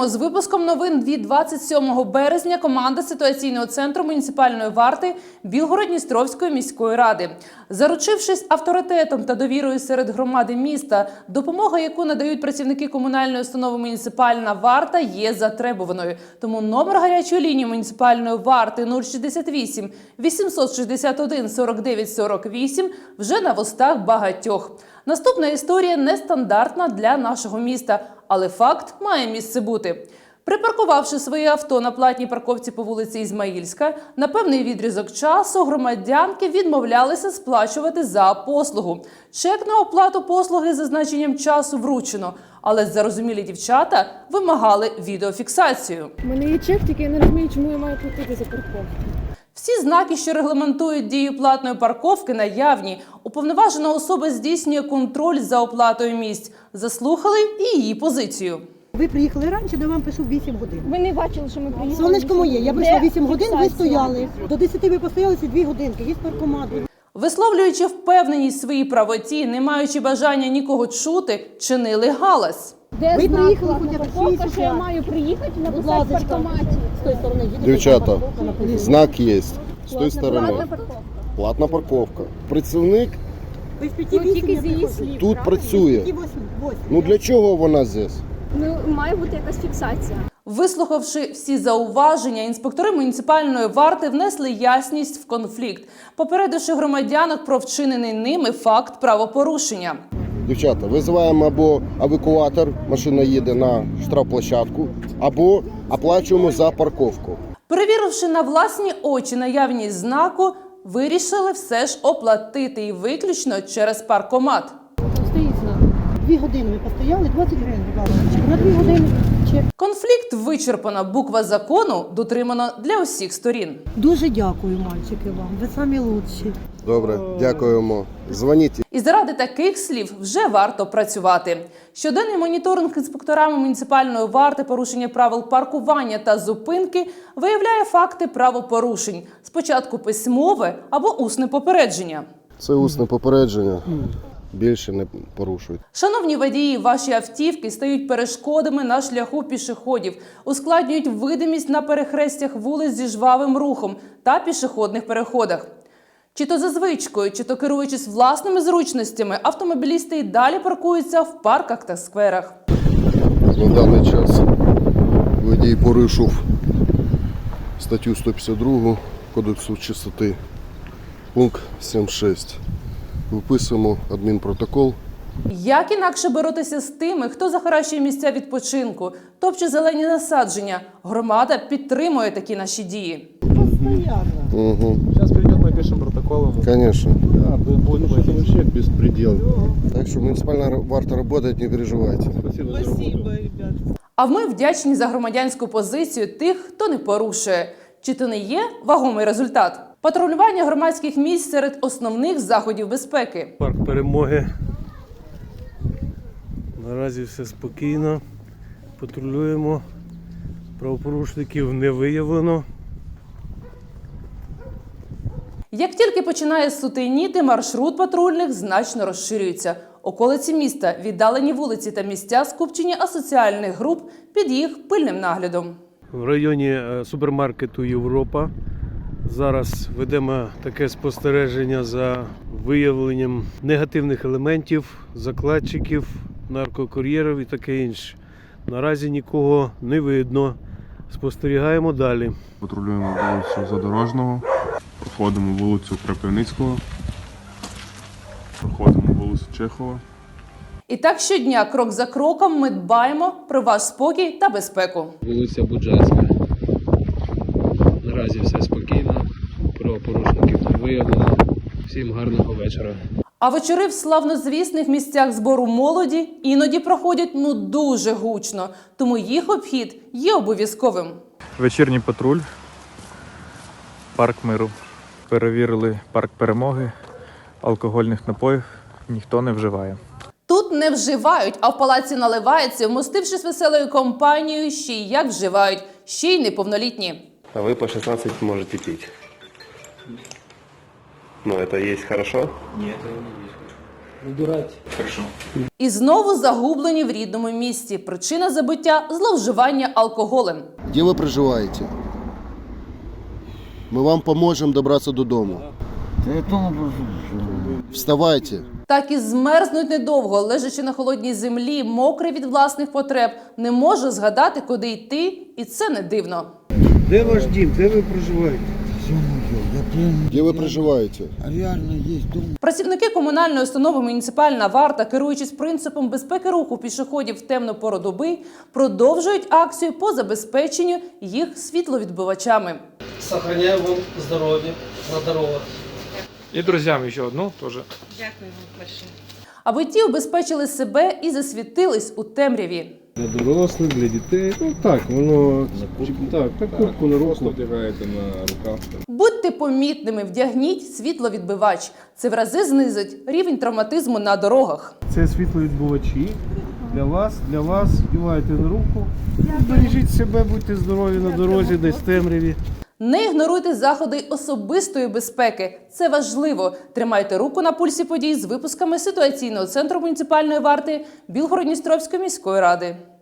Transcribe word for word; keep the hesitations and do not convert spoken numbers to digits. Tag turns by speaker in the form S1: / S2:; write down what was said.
S1: Вітаємо з випуском новин від двадцять сьомого березня. Команда ситуаційного центру муніципальної варти Білгород-Дністровської міської ради. Заручившись авторитетом та довірою серед громади міста, допомога, яку надають працівники комунальної установи «Муніципальна варта», є затребуваною. Тому номер гарячої лінії муніципальної варти нуль шістдесят вісім вісімсот шістдесят один сорок дев'ять сорок вісім вже на вустах багатьох. Наступна історія нестандартна для нашого міста, але факт має місце бути. Припаркувавши своє авто на платній парковці по вулиці Ізмаїльська, на певний відрізок часу громадянки відмовлялися сплачувати за послугу. Чек на оплату послуги з зазначенням часу вручено, але зарозумілі дівчата вимагали відеофіксацію.
S2: У мене є чек, тільки я не розумію, чому я маю платити за парковку.
S1: Всі знаки, що регламентують дію платної парковки, наявні. Уповноважена особа здійснює контроль за оплатою місць. Заслухали і її позицію.
S3: Ви приїхали раніше, де вам пішов вісім годин.
S2: Ви не бачили, що ми приїхали?
S3: Сонечко моє, я прийшла вісім годин, ви
S2: фіксація?
S3: стояли. До десяти ви постоялися дві годинки, є паркомат.
S1: Висловлюючи впевненість в своїй правоті, не маючи бажання нікого чути, чинили галас.
S2: Де
S3: Ви
S2: знак
S3: приїхали
S2: платна
S3: хоча б
S2: парковка,
S3: шість
S2: що я
S3: утра.
S2: маю приїхати і
S3: Будь
S2: написати в
S3: ласка,
S2: паркоматі?
S3: з тої сторони їдете.
S4: Дівчата,
S3: парковка написана.
S4: знак є. З тої
S2: Платна
S4: сторони.
S2: парковка.
S4: Платна парковка. Працівник
S3: Ви з п'яти
S2: Ну, тільки
S3: вісім
S2: з
S3: не
S2: її
S3: приходите.
S2: слів.
S4: тут
S2: правда?
S4: працює.
S3: П'яти восьм, восьм.
S4: Ну для чого вона здесь?
S2: Ну, має бути якась фіксація.
S1: Вислухавши всі зауваження, інспектори муніципальної варти внесли ясність в конфлікт, попередивши громадянок про вчинений ними факт правопорушення.
S4: Дівчата, визиваємо або евакуатор, машина їде на штрафплощадку, або оплачуємо за парковку.
S1: Перевіривши на власні очі наявність знаку, вирішили все ж оплатити і виключно через паркомат.
S3: Там стоїть знак. Дві години ви постояли, двадцять гривень, будь ласка. На дві години чек.
S1: Конфлікт вичерпано, буква закону дотримано для усіх сторін.
S3: Дуже дякую, мальчики, вам. Ви самі лучші.
S4: Добре, дякуємо. Дзвоніть.
S1: І заради таких слів вже варто працювати. Щоденний моніторинг інспекторами муніципальної варти порушення правил паркування та зупинки виявляє факти правопорушень. Спочатку письмове або усне попередження.
S4: Це усне попередження. Більше не порушують.
S1: Шановні водії, ваші автівки стають перешкодами на шляху пішоходів, ускладнюють видимість на перехрестях вулиць зі жвавим рухом та пішохідних переходах. Чи то за звичкою, чи то керуючись власними зручностями, автомобілісти й далі паркуються в парках та скверах.
S4: На даний час водій порушив статтю сто п'ятдесят два Кодексу чистоти, пункт сім шість. Виписуємо адмінпротокол.
S1: Як інакше боротися з тими, хто захаращує місця відпочинку, топче зелені насадження? Громада підтримує такі наші дії.
S3: Постоянно.
S4: Угу.
S5: Сейчас придет, напишем протокол.
S4: Конечно.
S5: Да, будет
S4: Это вообще беспредел. Так что муниципальная варта работает, не переживайте.
S5: Спасибо, Спасибо ребят.
S1: А ми вдячні за громадянську позицію тих, хто не порушує. Чи то не є вагомий результат? Патрулювання громадських місць серед основних заходів безпеки.
S6: Парк Перемоги. Наразі все спокійно. Патрулюємо. Правопорушників не виявлено.
S1: Як тільки починає сутеніти, маршрут патрульних значно розширюється. Околиці міста, віддалені вулиці та місця скупчення асоціальних груп під їх пильним наглядом.
S6: В районі е, супермаркету «Європа» зараз ведемо таке спостереження за виявленням негативних елементів, закладчиків, наркокур'єрів і таке інше. Наразі нікого не видно. Спостерігаємо далі.
S7: Патрулюємо вулицю Задорожного, проходимо вулицю Крапивницького, проходимо вулицю Чехова.
S1: І так щодня, крок за кроком, ми дбаємо про ваш спокій та безпеку.
S8: Вулиця Буджацька. Наразі все спокійно, правопорушників не виявлено. Всім гарного вечора.
S1: А вечори в славнозвісних місцях збору молоді іноді проходять ну дуже гучно, тому їх обхід є обов'язковим.
S9: Вечірній патруль, парк Миру. Перевірили парк Перемоги, алкогольних напоїв ніхто не вживає.
S1: Тут не вживають, а в палаці наливається, вмостившись веселою компанією, ще й як вживають, ще й неповнолітні.
S10: А вы по шестнадцать можете пить. Ну, это есть хорошо?
S8: Ні, це не є.
S1: І знову загублені в рідному місті. Причина забиття – зловживання алкоголем.
S4: Де ви проживаєте? Ми вам поможемо добратися додому. Вставайте.
S1: Так і змерзнуть недовго, лежачи на холодній землі, мокрий від власних потреб, не може згадати, куди йти, і це не дивно.
S6: Де ваш дім? Де ви проживаєте?
S4: Де ви проживаєте?
S1: Працівники комунальної установи «Муніципальна варта», керуючись принципом безпеки руху пішоходів в темну пору доби, продовжують акцію по забезпеченню їх світловідбивачами.
S11: Сохраняю вам здоровье на дорогах.
S9: І друзям ще одну теж.
S12: Дякую вам большое.
S1: Аби ті убезпечили себе і засвітились у темряві.
S6: Для дорослих, для дітей. Ну так, воно так, так куртку на руку.
S7: Вдягаєте на рукав.
S1: Будьте помітними, вдягніть світловідбивач. Це в рази знизить рівень травматизму на дорогах.
S6: Це світловідбивачі. Для вас, для вас, вдівайте на руку. Бережіть себе, будьте здорові на дорозі, десь в темряві.
S1: Не ігноруйте заходи особистої безпеки. Це важливо. Тримайте руку на пульсі подій з випусками ситуаційного центру муніципальної варти Білгород-Дністровської міської ради.